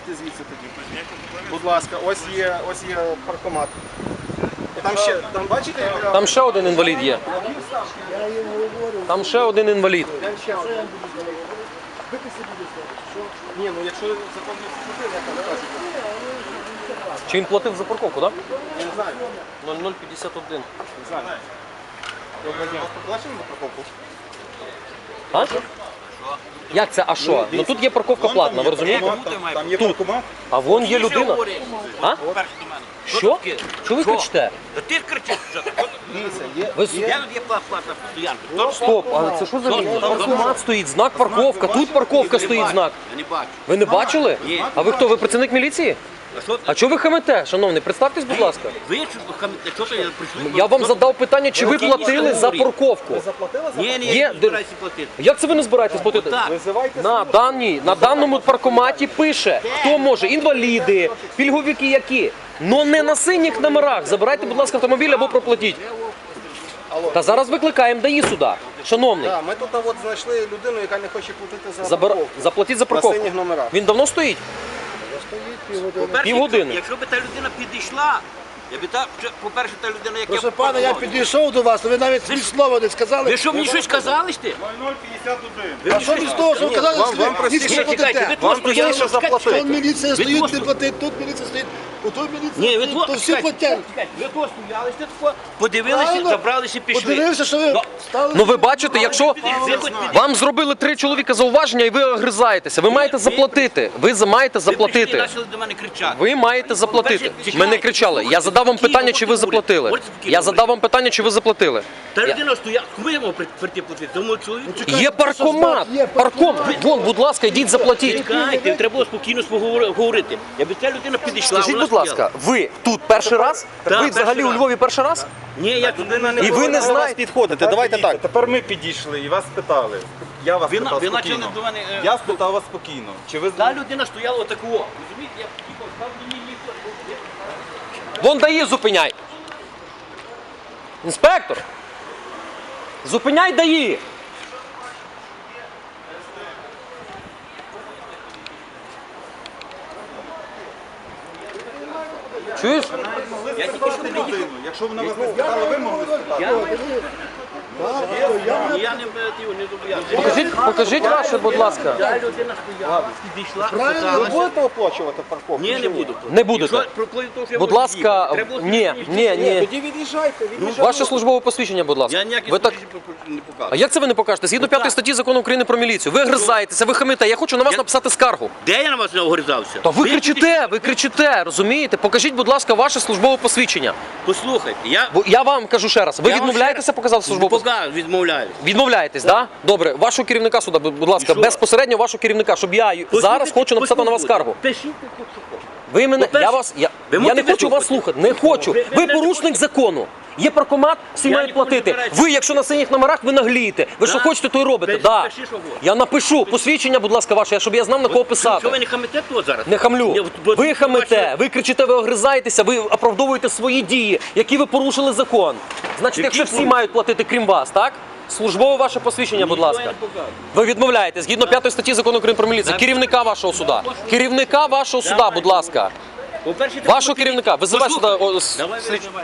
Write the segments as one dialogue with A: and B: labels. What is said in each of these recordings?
A: Виїдьте звідси тоді. Будь ласка, ось є паркомат. І там ще, там бачите?
B: Там ще один інвалід є. Там ще один інвалід.
A: Ні, ну якщо закон не вступив, як там кажуть.
B: Чи він платив за парковку, так?
A: Я не знаю.
B: 0051.
A: Не знаю. Доброго дня. Вас поплачено за парковку?
B: А? Як це, а що? Ну тут є парковка платна, ви розумієте?
A: Там є паркомат.
B: А вон є людина. А? Що? Що ви кричите?
C: Ти кричиш, що так?
B: Ви...
C: Я тут є платна стоянка.
B: Стоп, а це що за лінія? Паркомат стоїть, знак парковка, тут парковка стоїть знак.
C: Я не бачу.
B: Ви не бачили?
C: Ні.
B: А ви хто, ви працівник міліції?
C: А що
B: А чого ви хамите, шановний? Представтесь, будь ласка.
C: ви що то я прийшли?
B: Я вам задав питання, чи ви платили за парковку.
A: Заплатили за
C: Ні,
B: Є,
C: я не збираюся платити.
B: Як це ви не збираєтесь платити?
C: Так.
A: Визивайте
B: На даному паркоматі пише, хто може, інваліди, пільговики які. Но не на синіх номерах. Забирайте, будь ласка, автомобіль або проплатіть. Та зараз викликаємо ДАІ сюди. Шановний,
A: Так, ми тут от знайшли людину, яка не хоче платити за парковку.
B: заплатіть за
A: На
B: парковку.
A: синіх номерах.
B: Він давно стоїть?
C: По-перше,
B: Півгодини.
C: Якщо б та людина підійшла, я би по-перше, та людина, яка...
D: Прошу пане, я підійшов до вас, ви навіть ні слова не сказали.
C: Ви що, мені щось казали сте?
A: 0051.
D: А що ви з того, що ви казали,
A: Вам
D: що ви
A: простіше,
D: ніч не
C: чекайте, ви
D: платите?
C: тут
A: Вам
C: стояли,
A: простіше
C: чекайте,
A: заплатити.
D: Тут міліція стоїть,
C: просто-
D: не платить, тут міліція стоїть, тут міліція
C: Ні, ви
D: стоїть, то всі платять.
C: Ви тут стояли, сте тако, подивилися,
D: Правильно.
C: забралися і пішли.
D: Подивився, що ви стали.
B: Ну ви бачите, якщо вам зробили 3 чоловіка зауваження і ви огризаєтеся, ви маєте заплатити. Ви маєте
C: Ви
B: заплатити.
C: почали до мене кричати.
B: Ви маєте заплатити. Ми не кричали. Я задав вам питання, чи ви заплатили. Я задав вам питання, чи ви заплатили.
C: Та людина стояла, кому я мав прийти платити? Тому чоловіку.
B: Є паркомат. Паркомат. Вон, будь ласка, йдіть заплатіть.
C: Чекайте, треба було спокійно говорити. Якби ця людина підійшла,
B: Скажіть,
C: вона
B: будь ласка, ви тут перший раз?
C: Так,
B: Ви взагалі
C: перший
B: у
C: раз.
B: Львові перший раз?
C: Ні, я туди не
B: І ви не знаєте.
A: Підходите, давайте так. Тепер ми підійшли і вас спитали. Я вас
C: Ви
A: спитав
C: почали
A: спокійно.
C: до мене...
A: Я спитав вас спокійно. Чи ви
C: Та людина стояла отакого. Розумієте, я під'їхав, став мені ніхто.
B: Вон ДАІ зупиняй. Інспектор. Зупиняй ДАІ. Чуєш?
C: Я тільки що приїхав.
A: Якщо вона вас не спитала, ви могли спитати.
C: Я не зобов'язаний.
B: Покажіть ваше, будь ласка.
C: Та людина стояла, підійшла,
A: Ви
C: спиталася.
A: будете оплачувати парковку?
C: Ні, не буду.
B: Не будете.
C: Якщо проплив, то що я
B: Будь
C: можу
B: ласка,
C: їхати. Треба було
B: ні,
C: спокійно
B: ні.
A: Тоді від'їжджайте.
B: Ваше службове посвідчення, будь ласка.
C: Я ніякі
B: Ви так...
C: не
B: А
C: показую.
B: як це ви не покажете? Згідно 5 статті Закону України про міліцію. Ви гризаєтеся, ви хамите. Я хочу на вас написати скаргу.
C: Де я на вас не огризався?
B: Та ви кричите, розумієте? Покажіть, будь ласка, ваше службове посвідчення.
C: Послухайте, я...
B: Бо я вам кажу ще раз, ви
C: Я вам
B: відмовляєтеся
C: ще раз-
B: показати службове посвідчення?
C: Пока відмовляюсь.
B: Відмовляєтесь, так? Добре, вашого керівника сюди, будь ласка,
C: що?
B: безпосередньо вашого керівника, щоб я зараз хочу написати на вас скаргу.
C: Пишіть,
B: Ви мене,
C: По-перше,
B: я
C: ви
B: не
C: можете
B: хочу вас
C: вислухати?
B: слухати, не хочу.
C: Ви
B: Ви
C: не
B: порушник
C: хочете?
B: закону. Є паркомат, всі
C: Я
B: мають
C: ніколи не
B: платити.
C: збираюся.
B: Ви, якщо на синіх номерах, ви наглієте. Ви що
C: Да.
B: хочете, то й робите.
C: Пиши,
B: Да.
C: пиши, що хочеш.
B: Я напишу посвідчення, будь ласка, ваше, щоб я знав, на кого
C: Що ви
B: писати.
C: не хамите тут зараз?
B: Не хамлю.
C: Ні, бо-
B: Ви хамите,
C: бачите,
B: ви кричите, ви огризаєтеся, ви оправдовуєте свої дії, які ви порушили закон. Значить,
C: Які
B: якщо всі
C: порушили?
B: мають платити, крім вас, так? Службове ваше посвідчення, будь
C: Ніхто
B: ласка.
C: я не показую.
B: Ви відмовляєте, згідно 5 статті Закону України про міліцію, керівника вашого суда. Керівника вашого суда, будь ласка.
C: По-перше, треба
B: Вашого
C: було
B: керівника. Визивай сюди.
C: Давай.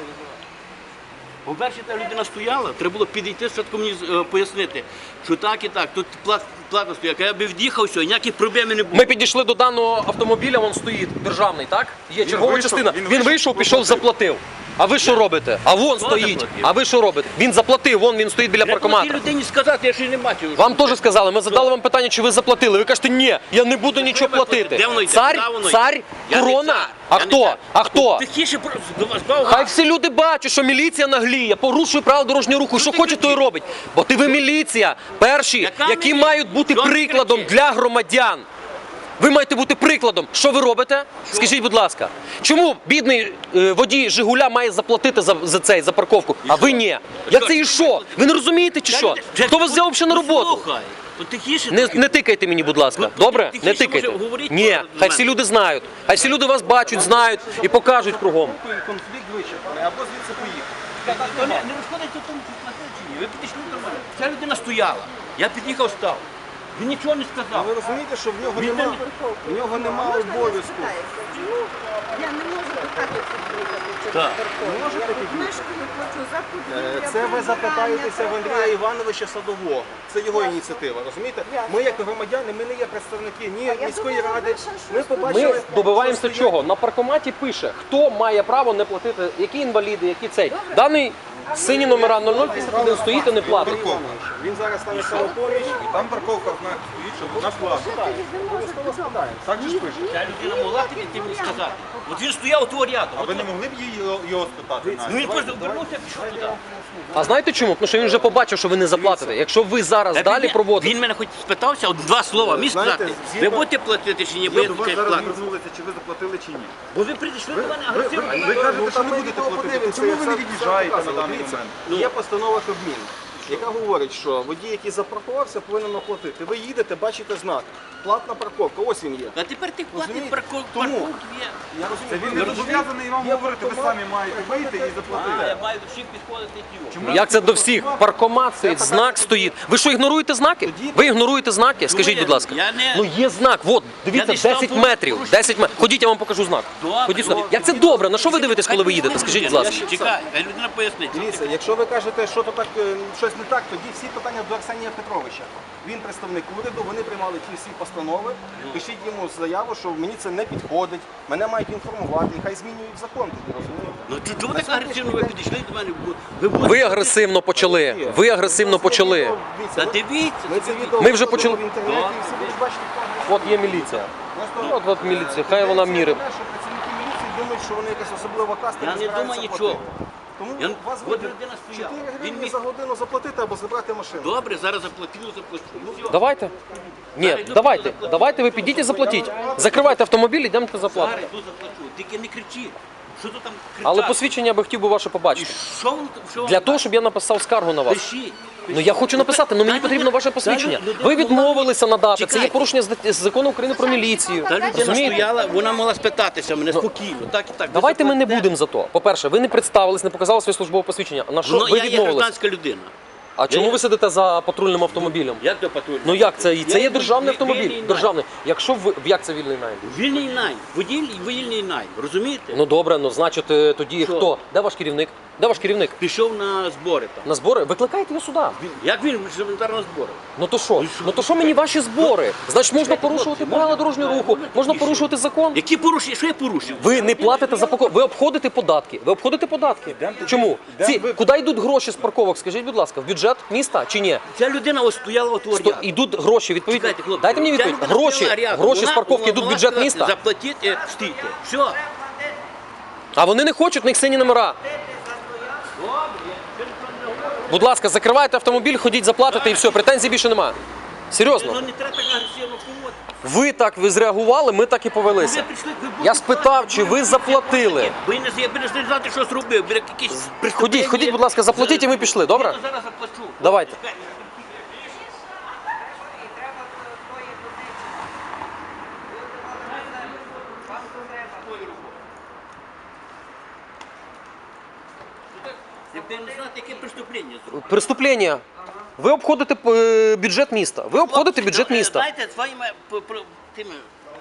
C: По-перше, та людина стояла, треба було підійти, спочатку мені пояснити, що так і так, тут плата стояла. Я би в'їхав, все, ніяких проблем не було.
B: Ми підійшли до даного автомобіля, він стоїть державний, так? Є чергова
A: вийшов,
B: частина.
A: він
B: Він вийшов, пішов, заплатив. А ви що робите? А вон стоїть.
C: заплатив?
B: А ви що робите? Він заплатив, вон він стоїть біля
C: Треба було тій
B: паркомата.
C: людині сказати, я ще й не бачив.
B: Вам теж сказали, ми задали вам питання, чи ви заплатили. Ви кажете, ні, я не буду нічого платити.
C: Де воно йде?
B: Цар,
C: Куди воно йде?
B: цар,
C: Я не
B: корона.
C: цар.
B: А
C: Я не
B: хто?
C: цар.
B: А хто?
C: Тихіше до вас бав
B: Хай всі люди бачать, що міліція нагліє, порушує правила дорожнього руху. Що
C: ти
B: хоче, то й
C: кричиш?
B: робить. Бо ти ви міліція, перші,
C: Яка
B: які
C: міліція?
B: мають бути
C: Що ти
B: прикладом
C: кричиш?
B: для громадян. Ви маєте бути прикладом. Що ви робите? Скажіть, будь ласка, чому бідний водій Жигуля має заплатити за парковку, а ви ні? Я це і що? Ви не розумієте чи що? Хто вас взяв взагалі на роботу?
C: Слухай, от тихіше.
B: Не тикайте мені, будь ласка.
C: Ну,
B: Добре?
C: тихіше,
B: Не тикайте.
C: може, говоріть
B: Ні,
C: до
B: хай
C: мене.
B: всі люди знають. Хай всі люди вас бачать, знають і покажуть кругом.
A: Конфлікт вичерпаний, або звідси поїхати.
C: Не розходиться в тому, чи платили чи ні. Ви підійшли до мене. Ця людина стояла. Я під'їхав, став. Він нічого не сказав.
A: Ви розумієте, що в нього немає обов'язку.
E: Я не можу до хати під'їхати.
C: Так.
E: Мешкаю, плачу за подвір'я.
A: Це ви запитаєтеся в Андрія Івановича Садового. Це його ініціатива, розумієте? Ми як громадяни, ми не є представники ні міської ради. Ми побачили...
B: Ми добиваємося чого? На паркоматі пише, хто має право не платити, які інваліди, які цей. Даний сині номера 0051 стоїть і не платить.
A: Він зараз стане самопоміч.
F: Там парковка стоїть, щоб на плату. Так же ж пише.
C: Ця людина могла підійти мені сказати. От він стояв у того ряду.
F: А ви не могли б його спитати?
C: Ну він просто обернувся, пішов туди.
B: А знаєте чому? Тому що він вже побачив, що ви не заплатите. Якщо ви зараз далі проводите...
C: Він мене хоч спитався, от два слова міг
A: Знаєте,
C: сказати.
A: згідно-
C: Ви будете платити чи ні, бо я
F: До
C: тут
F: вас зараз
C: платити.
F: звернулися, чи ви заплатили, чи ні.
C: Бо ви прийшли до мене агресивно.
F: Ви кажете, що не будете платити. Чому ви не від'їжджаєте на даний
A: Дивіться,
F: момент?
A: є постанова Кабміну, яка говорить, що водій, який запаркувався, повинен оплатити. Ви їдете, бачите знак. Платна парковка, ось він є.
C: А тепер ти платить
A: Розумієте?
C: парковку
A: Тому-
C: є.
A: Я
F: Це
A: розумію,
F: він не зобов'язаний вам говорити, ви самі маєте вийти і
C: А, я
F: заплатити.
C: маю до всіх підходити і тіло.
B: Як це до всіх? Паркомат стоїть, знак стоїть. Ви що, ігноруєте знаки? Ви ігноруєте знаки? Скажіть, будь ласка.
C: Я не-
B: Ну є знак, от, дивіться,
C: Я не став
B: 10 метрів. 10 метрів. Ходіть, я вам покажу знак.
C: Добре,
B: Ходіть сюди.
C: добре.
B: Як це добре? На що ви дивитесь, коли ви їдете? Скажіть, будь ласка.
C: Чекай, хай людина пояснить.
A: Дивіться, якщо ви кажете, що то так щось не так, тоді всі питання до Арсенія Петровича. Він представник уряду, вони приймали ті всі постанови. Пишіть йому заяву, що мені це не підходить, мене мають інформувати, і хай змінюють закон тоді, розумієте?
C: Ну чому так агресивно ви підійшли до мене? Ви
B: Ви агресивно почали. Ви агресивно почали.
C: Та дивіться.
A: Ми це відео
B: Ми вже
A: викладемо
B: почали-
A: в інтернеті, і всі будуть бачити, хто
B: От є міліція.
A: Просто
B: От міліція, хай вона мірить.
A: Що працівники міліції думають, що вони якась особлива каста.
C: Я не
A: збираються
C: думаю
A: платити.
C: нічого.
A: Тому
C: Я-
A: у вас
C: от
A: вибір
C: людина стояла.
A: 4
C: Він
A: гривні
C: міг-
A: за годину заплатити або забрати машину.
C: Добре, зараз заплатив. Все.
B: Давайте. Ні, давайте ви підіть і заплатіть. Закривайте автомобіль, йдемте заплатити.
C: Зараз йду заплачу. Тільки не кричи. Що тут там кричати?
B: Але посвідчення я би хотів би ваше
C: І
B: побачити.
C: що воно там? Що
B: Для того, щоб я написав скаргу на вас.
C: Пишіть.
B: Ну я хочу написати, але мені потрібно ваше посвідчення. Ви відмовилися надати. Це є порушення з закону України про міліцію.
C: Та людина
B: Розумієте?
C: стояла, вона могла спитатися мене спокійно. Так і так.
B: Давайте ми не
C: заплатите.
B: будемо за то. По-перше, ви не представились, не показали своє службове посвідчення. На що
C: Ну,
B: ви
C: я є
B: відмовились?
C: гражданська людина.
B: А чому ви сидите за патрульним автомобілем?
C: Як до патрульного?
B: Ну як це? Це є
C: Я
B: державний
C: вільний
B: автомобіль.
C: найм.
B: Державний. Якщо ви як це вільний найм?
C: Вільний найм. Вільний найм. Розумієте?
B: Ну добре, ну значить тоді
C: Що?
B: хто? Де ваш керівник? Де ваш керівник?
C: Пішов на збори там.
B: На збори? Викликайте його сюди.
C: Як він елементарно на збори?
B: Ну то що? Ну то що мені ваші збори? Значить можна порушувати правила дорожнього руху, можна порушувати закон.
C: Які порушення? Що я порушив?
B: Ви не платите за парковку, ви обходите податки. Ви обходите податки. Чому? Куди йдуть гроші з парковок? Скажіть, будь ласка, в бюджет міста чи ні?
C: Ця людина ось стояла от ряду.
B: Ідуть гроші, відповідно.
C: Чекайте, хлопці.
B: Дайте мені
C: Ця
B: відповідь.
C: людина
B: Гроші,
C: стояла рядом.
B: гроші з
C: Вона
B: парковки йдуть в
C: могла
B: бюджет
C: сказати,
B: міста.
C: Заплатіть, стійте. Все.
B: А вони не хочуть, в них сині номера. Будь ласка, закривайте автомобіль, ходіть заплатите і все, претензій більше немає. Серйозно.
C: Ну не треба так агресивно поводити.
B: Ви зреагували, ми так і повелися.
C: Ви прийшли, ви
B: Я
C: будете
B: спитав,
C: платити,
B: чи ви заплатили.
C: Ви не знати, що зробив. Ви якісь
B: Ходіть, будь ласка, заплатіть і ми пішли, добре?
C: Я зараз заплачу.
B: Давайте.
C: Ви не знаєте, яке преступлення зробив.
B: Преступлення. Ви обходите бюджет міста. Ви обходите бюджет міста.
C: Знаєте, своїми тими.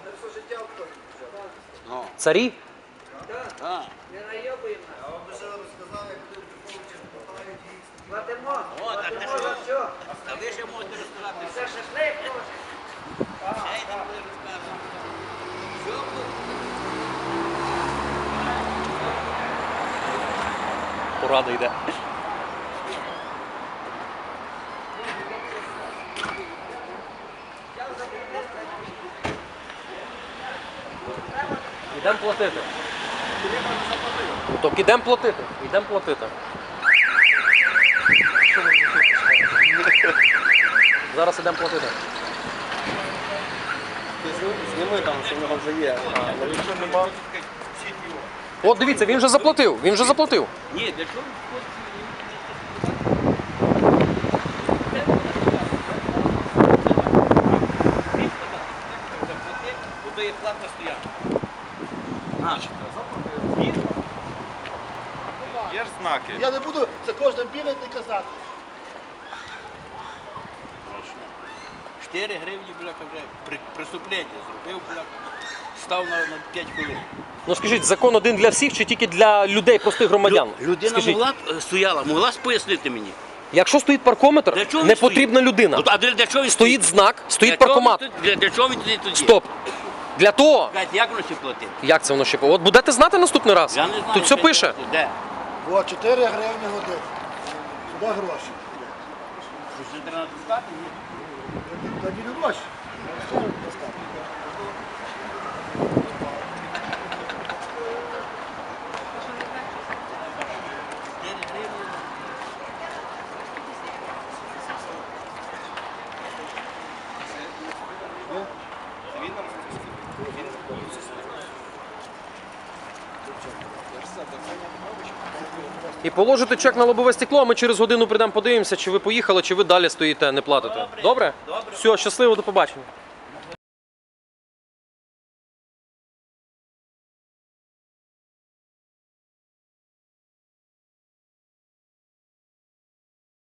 B: Царі?
C: А. О, так не що? А ви ще можете розказати. Це шашлик. Ще йдемо буде розказувати. Що буде?
B: Порада йде. Ідемо платити. Так ідемо платити. Ідемо платити. Зараз ідемо платити.
A: Зніми там, що в нього вже є. Але якщо нема,
B: От дивіться, він вже заплатив. Він вже заплатив.
C: Ні, для чого? Бо є платна стоянка.
F: Є ж знаки.
D: Я не буду за кожним бігати і казати.
C: 4 гривні, бляха, вже преступлення зробив, бляха. Став на 5 хвилин.
B: Ну скажіть, закон один для всіх чи тільки для людей, простих громадян?
C: Людина
B: Скажіть,
C: могла б стояла, могла пояснити мені.
B: якщо стоїть паркометр,
C: Для чого він
B: не
C: стоїть?
B: потрібна людина.
C: Ну, а для чого він
B: Стоїть знак, стоїть
C: Для чого
B: паркомат.
C: він стоїть? Для чого він тоді?
B: Стоп. Для того,
C: Кажуть, як воно ще платити?
B: як це воно ще? От будете знати наступний раз?
C: Я не знаю.
B: Тут все
C: що
B: пише.
C: це. Де?
D: О, 4 гривні годин. Сюди гроші.
C: Що ще треба натискати? Ні.
D: Тоді не гроші.
B: І положите чек на лобове стекло, а ми через годину прийдемо, подивимося, чи ви поїхали, чи ви далі стоїте, не платите. Добре? Все, щасливо, до побачення.